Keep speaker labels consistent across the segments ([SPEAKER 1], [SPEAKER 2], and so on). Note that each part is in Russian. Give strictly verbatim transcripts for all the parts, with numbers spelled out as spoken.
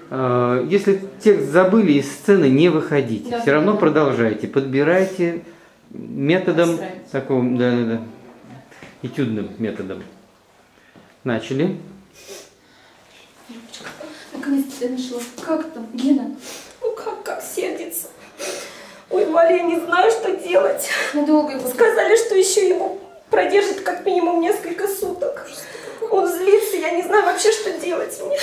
[SPEAKER 1] Если текст забыли, из сцены не выходите.
[SPEAKER 2] Да,
[SPEAKER 1] все равно
[SPEAKER 2] да.
[SPEAKER 1] продолжайте, подбирайте методом такого, да, да, да, этюдным методом. Начали.
[SPEAKER 2] Наконец-то я нашла. Как там, Гена?
[SPEAKER 3] Ну как, как сердится. Ой, Валя, я не знаю, что делать.
[SPEAKER 2] Надолго его.
[SPEAKER 3] Сказали, что еще его продержит как минимум несколько суток. Он злится, я не знаю вообще, что делать мне.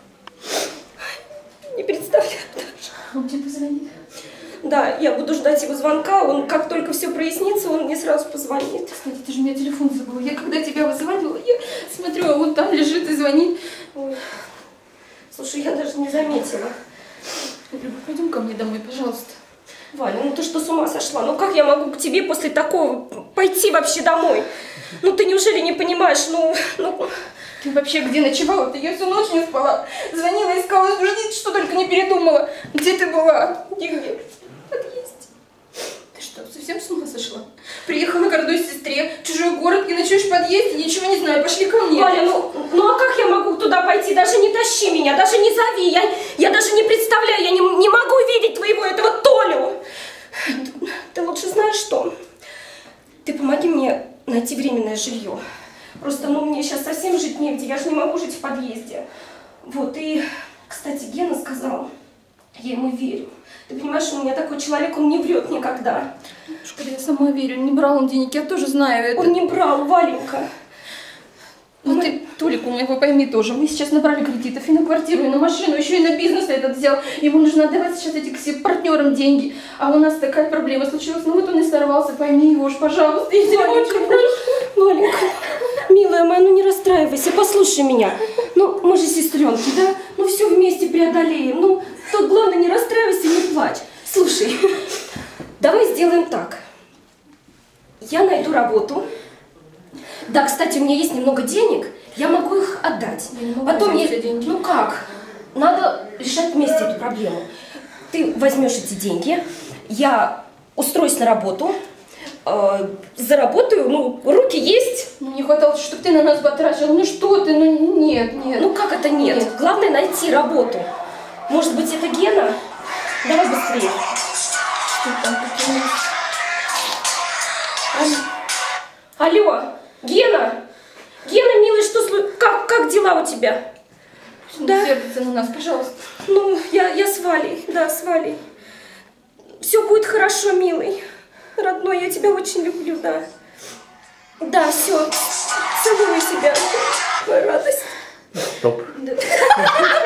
[SPEAKER 3] Не представляю даже.
[SPEAKER 2] Он тебе позвонит?
[SPEAKER 3] Да, я буду ждать его звонка. Он, как только все прояснится, он мне сразу позвонит.
[SPEAKER 2] Кстати, ты же у меня телефон забыла. Я когда тебя вызывала, я смотрю, а он там лежит и звонит.
[SPEAKER 3] Ой. Слушай, я даже не заметила.
[SPEAKER 2] Люба, пойдем ко мне домой, пожалуйста.
[SPEAKER 3] Валя, ну ты что, с ума сошла? Ну как я могу к тебе после такого пойти вообще домой? Ну ты неужели не понимаешь, ну... ну...
[SPEAKER 2] Ты вообще где ночевала? Ты я всю ночь не спала. Звонила, искала, ждите, что только не передумала. Где ты была?
[SPEAKER 3] Где-где? В подъезде.
[SPEAKER 2] Ты что, совсем с ума сошла? Приехала к родной сестре, в чужой город и ночуешь в подъезде, ничего не знаю, пошли ко мне.
[SPEAKER 3] Валя, ну, ну а как я могу туда пойти? Даже не тащи меня, даже не зови. Я, я даже не представляю, я не, не могу видеть твоего этого Толю. Ты, ты лучше знаешь что? Ты помоги мне найти временное жилье. Просто, ну, мне сейчас совсем жить негде, я же не могу жить в подъезде. Вот, и, кстати, Гена сказал, я ему верю. Ты понимаешь, у меня такой человек, он не врет никогда.
[SPEAKER 2] Шкода, я сама верю, не брал он денег, я тоже знаю это.
[SPEAKER 3] Он не брал, Валенька.
[SPEAKER 2] Ну ты, Толик, у него пойми тоже, мы сейчас набрали кредитов и на квартиру, и на машину, еще и на бизнес этот взял. Ему нужно отдавать сейчас этим всем партнерам деньги. А у нас такая проблема случилась, ну вот он и сорвался, пойми его уж, пожалуйста. Я тебя очень прошу.
[SPEAKER 3] Валенька, милая моя, ну не расстраивайся, послушай меня. Ну, мы же сестренки, да? Ну все вместе преодолеем. Ну, тут главное не расстраивайся, не плачь. Слушай, давай сделаем так. Я найду работу. Да, кстати, у меня есть немного денег, я могу их отдать.
[SPEAKER 2] Я не могу
[SPEAKER 3] Потом
[SPEAKER 2] взять
[SPEAKER 3] мне...
[SPEAKER 2] эти деньги.
[SPEAKER 3] Ну как? Надо решать вместе эту проблему. Ты возьмешь эти деньги, я устроюсь на работу, э, заработаю, ну, руки есть.
[SPEAKER 2] Ну, не хватало, чтобы ты на нас потратил. Ну что ты, ну нет, нет.
[SPEAKER 3] Ну как это нет?
[SPEAKER 2] Нет.
[SPEAKER 3] Главное найти работу. Может быть, это Гена? Давай быстрее.
[SPEAKER 2] Что там, какие...
[SPEAKER 3] Алло, Гена? Гена, милый, что слу... как, как дела у тебя?
[SPEAKER 2] Да? Сердится на нас, пожалуйста.
[SPEAKER 3] Ну, я, я с Валей, да, с Валей. Все будет хорошо, милый. Родной, я тебя очень люблю, да. Да, все. Целую тебя. Твоя радость.
[SPEAKER 1] Стоп.
[SPEAKER 3] Да.